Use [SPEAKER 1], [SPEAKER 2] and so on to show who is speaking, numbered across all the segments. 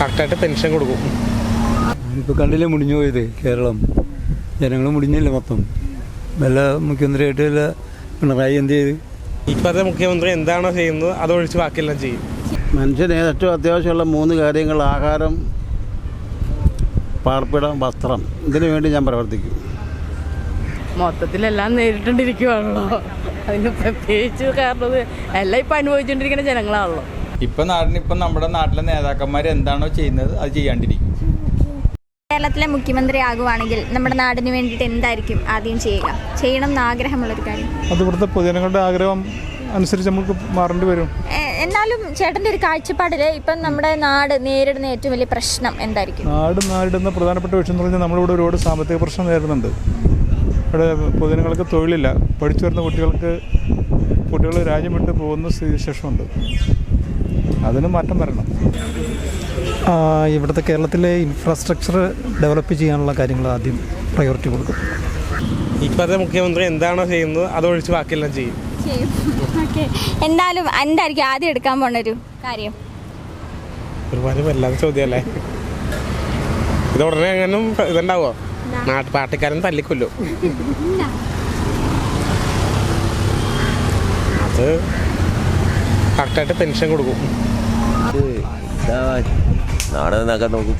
[SPEAKER 1] കറക്റ്റായിട്ട് പെൻഷൻ കൊടുക്കും.
[SPEAKER 2] ഇപ്പോൾ കണ്ടില്ലേ മുടിഞ്ഞു പോയത് കേരളം, ജനങ്ങൾ മുടിഞ്ഞില്ലേ മൊത്തം. വല്ല മുഖ്യമന്ത്രിയായിട്ട് വല്ല പിണറായി എന്ത് ചെയ്ത്?
[SPEAKER 1] ഇപ്പോഴത്തെ മുഖ്യമന്ത്രി എന്താണോ ചെയ്യുന്നത് അതൊഴിച്ച് ബാക്കിയെല്ലാം ചെയ്യും.
[SPEAKER 3] മനുഷ്യന് ഏറ്റവും അത്യാവശ്യമുള്ള 3 കാര്യങ്ങൾ: ആഹാരം, പാർപ്പിടം, വസ്ത്രം. ഇതിനു വേണ്ടി ഞാൻ പ്രവർത്തിക്കും.
[SPEAKER 4] മൊത്തത്തിലെല്ലാം നേരിട്ടുകൊണ്ടിരിക്കുകയാണല്ലോ, അതിന് പ്രത്യേകിച്ച് കാരണം എല്ലാം ഇപ്പം അനുഭവിച്ചുകൊണ്ടിരിക്കുന്ന ജനങ്ങളാണല്ലോ.
[SPEAKER 5] ഇപ്പം നമ്മുടെ നാട്ടിലെ നേതാക്കന്മാർ എന്താണോ ചെയ്യുന്നത് അത് ചെയ്യാണ്ടിരിക്കും.
[SPEAKER 6] കേരളത്തിലെ മുഖ്യമന്ത്രി ആകുവാണെങ്കിൽ നമ്മുടെ നാടിന് വേണ്ടിയിട്ട് എന്തായിരിക്കും ആദ്യം ചെയ്യണം എന്ന് ആഗ്രഹമുള്ളൊരു കാര്യം?
[SPEAKER 7] അത് ഇവിടുത്തെ പൊതുജനങ്ങളുടെ ആഗ്രഹം അനുസരിച്ച് നമുക്ക് മാറേണ്ടി വരും.
[SPEAKER 6] എന്നാലും ചേട്ടൻ്റെ ഒരു കാഴ്ചപ്പാടിൽ ഇപ്പം നമ്മുടെ നാട് നേരിടുന്ന ഏറ്റവും വലിയ പ്രശ്നം എന്തായിരിക്കും?
[SPEAKER 7] നാട് നേരിടുന്ന പ്രധാനപ്പെട്ട വിഷയം എന്ന് പറഞ്ഞാൽ നമ്മളിവിടെ ഒരുപാട് സാമ്പത്തിക പ്രശ്നം നേരിടുന്നുണ്ട്. ഇവിടെ പൊതുജനങ്ങൾക്ക് തൊഴിലില്ല. പഠിച്ചു വരുന്ന കുട്ടികൾ രാജ്യം വിട്ട് പോകുന്ന സ്ഥിതിവിശേഷമുണ്ട്. അതിന് മാറ്റം വരണം.
[SPEAKER 8] ഇവിടുത്തെ കേരളത്തിലെ ഇൻഫ്രാസ്ട്രക്ചർ ഡെവലപ്പ് ചെയ്യാനുള്ള കാര്യങ്ങൾ ആദ്യം പ്രയോറിറ്റി കൊടുക്കും.
[SPEAKER 1] ഇപ്പോഴത്തെ മുഖ്യമന്ത്രി എന്താണോ ചെയ്യുന്നത് അതൊഴിച്ച് ബാക്കിയെല്ലാം ചെയ്യും.
[SPEAKER 6] ഓക്കെ, എന്തായാലും എന്തായിരിക്കും ആദ്യം എടുക്കാൻ പോണൊരു കാര്യം?
[SPEAKER 1] ഒരുപാട് വല്ലാത്ത ചോദ്യമല്ലേ ഇത്. ഉടനെ എങ്ങനെ ഇതുണ്ടാവോ? പാർട്ടിക്കാരൻ തല്ലിക്കൊല്ലോ. അത് കറക്റ്റായിട്ട് പെൻഷൻ കൊടുക്കും.
[SPEAKER 9] നാട് നന്നാക്കാൻ നോക്കും.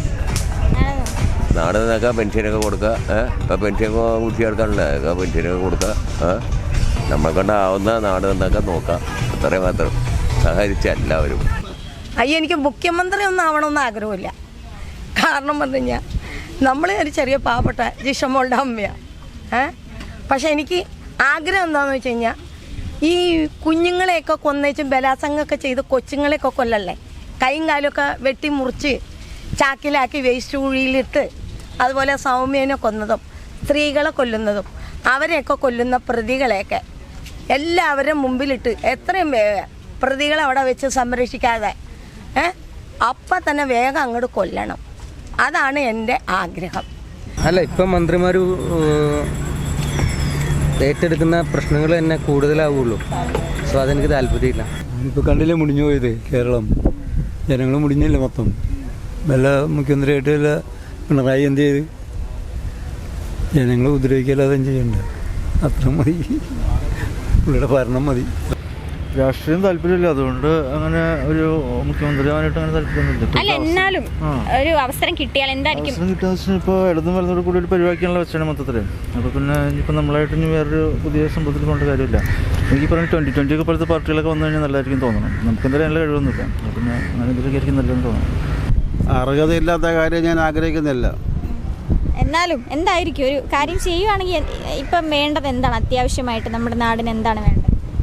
[SPEAKER 9] നാട് നന്നാക്കാൻ പെൻഷനൊക്കെ കൊടുക്കുക. ഇപ്പം പെൻഷനൊക്കെ കുടിച്ചെടുക്കാനുള്ള പെൻഷനൊക്കെ കൊടുക്കുക. നമ്മളെ കൊണ്ടാവുന്ന നാട് നന്നാക്കാൻ നോക്കാം. അത്രയും മാത്രം സഹകരിച്ച എല്ലാവരും.
[SPEAKER 4] എനിക്ക് മുഖ്യമന്ത്രി ഒന്നും ആവണമെന്ന് ആഗ്രഹമില്ല. കാരണം പറഞ്ഞു കഴിഞ്ഞാൽ നമ്മൾ ഒരു ചെറിയ പാവപ്പെട്ട ജിഷമോളുടെ അമ്മയാണ്. പക്ഷെ എനിക്ക് ആഗ്രഹം എന്താണെന്ന് വെച്ച് കഴിഞ്ഞാൽ ഈ കുഞ്ഞുങ്ങളെയൊക്കെ കൊന്നേച്ചും ബലാത്സംഗമൊക്കെ ചെയ്ത് കൊച്ചുങ്ങളെയൊക്കെ കൊല്ലല്ലേ, കൈയും കാലൊക്കെ വെട്ടി മുറിച്ച് ചാക്കിലാക്കി വേസ്റ്റ് കുഴിയിലിട്ട്, അതുപോലെ സൗമ്യനെ കൊന്നതും സ്ത്രീകളെ കൊല്ലുന്നതും അവരെയൊക്കെ കൊല്ലുന്ന പ്രതികളെയൊക്കെ എല്ലാവരും മുമ്പിലിട്ട് എത്രയും വേഗം പ്രതികളെ അവിടെ വെച്ച് സംരക്ഷിക്കാതെ അപ്പം തന്നെ വേഗം അങ്ങോട്ട് കൊല്ലണം. അതാണ് എൻ്റെ ആഗ്രഹം.
[SPEAKER 2] അല്ല, ഇപ്പം മന്ത്രിമാർ ഏറ്റെടുക്കുന്ന പ്രശ്നങ്ങൾ തന്നെ കൂടുതലാവുള്ളൂ. സോ അതെനിക്ക് താല്പര്യമില്ല. ഇപ്പോൾ കണ്ടില്ലേ മുടിഞ്ഞു പോയത് കേരളം, ജനങ്ങൾ മുടിഞ്ഞില്ലേ മൊത്തം. വല്ല മുഖ്യമന്ത്രിയായിട്ട് വല്ല പിണറായി എന്ത് ചെയ്ത്? ജനങ്ങൾ ഉപദ്രവിക്കല്ലാതെ ചെയ്യണ്ട. അത്ര മതി, പുള്ളിയുടെ ഭരണം മതി.
[SPEAKER 3] രാഷ്ട്രീയം താല്പര്യമില്ല, അതുകൊണ്ട് അങ്ങനെ ഒരു മുഖ്യമന്ത്രിയാവാനായിട്ട് അങ്ങനെ താല്പര്യമൊന്നുമില്ല.
[SPEAKER 6] അല്ല, എന്നാലും ഒരു അവസരം കിട്ടിയാൽ എന്തായിരിക്കും?
[SPEAKER 3] അവസരം കിട്ടുന്ന ഇപ്പോൾ ഇടതും വലതോട് കൂടി ഒരു പരിപാടിക്കാനുള്ള വെച്ചാണ് മൊത്തത്തിൽ. അപ്പോൾ പിന്നെ ഇനിയിപ്പോൾ നമ്മളായിട്ട് ഇനി വേറൊരു പുതിയ സംഭവത്തിൽ കൊണ്ട് കാര്യമില്ല. എനിക്ക് പറഞ്ഞ 2020 ഒക്കെ പോലത്തെ പാർട്ടികളൊക്കെ വന്നു കഴിഞ്ഞാൽ നല്ലതായിരിക്കും തോന്നണം. നമുക്ക് എന്തായാലും നല്ല കഴിവൊന്നുമില്ല. പിന്നെ അങ്ങനെ എന്തെങ്കിലും ആയിരിക്കും നല്ലതെന്ന് തോന്നണം. അർഹതയില്ലാത്ത കാര്യം ഞാൻ ആഗ്രഹിക്കുന്നില്ല.
[SPEAKER 6] എന്നാലും എന്തായിരിക്കും ഒരു കാര്യം ചെയ്യുവാണെങ്കിൽ ഇപ്പം വേണ്ടത് എന്താണ്? അത്യാവശ്യമായിട്ട് നമ്മുടെ നാടിന് എന്താണ് വേണ്ടത്?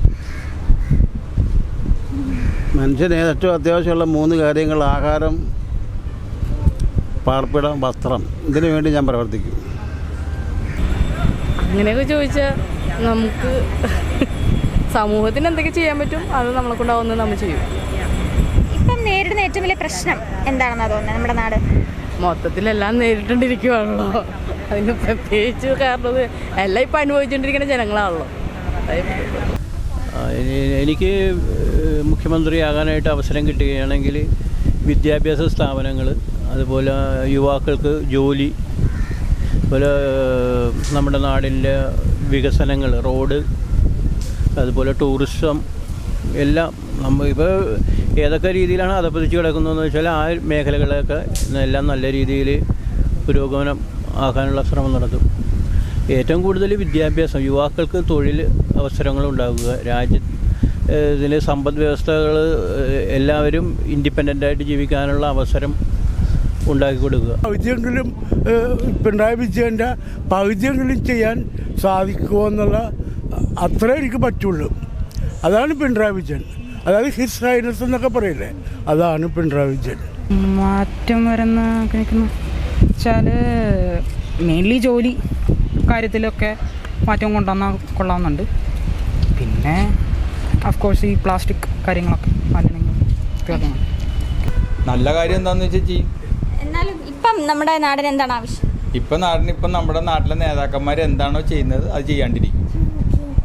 [SPEAKER 3] മനുഷ്യന് ഏറ്റവും അത്യാവശ്യമുള്ള 3 കാര്യങ്ങൾ: ആഹാരം, പാർപ്പിടം, വസ്ത്രം. ഇതിനു വേണ്ടി ഞാൻ പ്രവർത്തിക്കും.
[SPEAKER 4] അങ്ങനെയൊക്കെ ചോദിച്ചാൽ നമുക്ക് സമൂഹത്തിന് എന്തൊക്കെ ചെയ്യാൻ പറ്റും അത് നമ്മളെ കൊണ്ടാവുന്നത് നമ്മൾ ചെയ്യും.
[SPEAKER 6] ഇപ്പം നേരിടുന്ന ഏറ്റവും വലിയ പ്രശ്നം എന്താണെന്നാ തോന്നുന്നത് നമ്മുടെ നാട്?
[SPEAKER 4] മൊത്തത്തിലെല്ലാം നേരിട്ടുകൊണ്ടിരിക്കുകയാണല്ലോ, അതിന് പ്രത്യേകിച്ച് കാരണം എല്ലാം ഇപ്പം അനുഭവിച്ചുകൊണ്ടിരിക്കുന്ന ജനങ്ങളാണല്ലോ.
[SPEAKER 10] എനിക്ക് മുഖ്യമന്ത്രിയാകാനായിട്ട് അവസരം കിട്ടുകയാണെങ്കിൽ വിദ്യാഭ്യാസ സ്ഥാപനങ്ങൾ, അതുപോലെ യുവാക്കൾക്ക് ജോലി, അതുപോലെ നമ്മുടെ നാടിൻ്റെ വികസനങ്ങൾ, റോഡ്, അതുപോലെ ടൂറിസം എല്ലാം ഇപ്പോൾ ഏതൊക്കെ രീതിയിലാണ് അധപ്പതിച്ച് കിടക്കുന്നതെന്ന് വെച്ചാൽ ആ മേഖലകളൊക്കെ എല്ലാം നല്ല രീതിയിൽ പുരോഗമനം ആക്കാനുള്ള ശ്രമം നടത്തും. ഏറ്റവും കൂടുതൽ വിദ്യാഭ്യാസം, യുവാക്കൾക്ക് തൊഴിൽ അവസരങ്ങൾ ഉണ്ടാകുക, ഇതിലെ സമ്പദ് വ്യവസ്ഥകൾ എല്ലാവരും ഇൻഡിപെൻഡൻ്റായിട്ട് ജീവിക്കാനുള്ള അവസരം ഉണ്ടാക്കി കൊടുക്കുക.
[SPEAKER 11] പകുതിയെങ്കിലും പിണറായി വിജയൻ്റെ പകുതിയെങ്കിലും ചെയ്യാൻ സാധിക്കുമോ എന്നുള്ള അത്രേ എനിക്ക് പറ്റുള്ളൂ. അതാണ് പിണറായി വിജയൻ. അതായത് ഹിസ് ഹൈനസ് എന്നൊക്കെ പറയില്ലേ, അതാണ് പിണറായി വിജയൻ.
[SPEAKER 4] മാറ്റം വരുന്ന വെച്ചാൽ മെയിൻലി ജോലി കാര്യത്തിലൊക്കെ മാറ്റം കൊണ്ടുവന്നാൽ കൊള്ളാമെന്നുണ്ട്. പിന്നെ അഫ്കോഴ്സ് ഈ പ്ലാസ്റ്റിക് കാര്യങ്ങളൊക്കെ മാറ്റണമെങ്കിൽ
[SPEAKER 5] നല്ല കാര്യം എന്താണെന്ന് വെച്ചാൽ ചെയ്യും.
[SPEAKER 6] എന്നാലും ഇപ്പം നമ്മുടെ നാടിന് എന്താണ് ആവശ്യം?
[SPEAKER 5] ഇപ്പം നമ്മുടെ നാട്ടിലെ നേതാക്കന്മാർ എന്താണോ ചെയ്യുന്നത് അത് ചെയ്യാണ്ടിരിക്കും.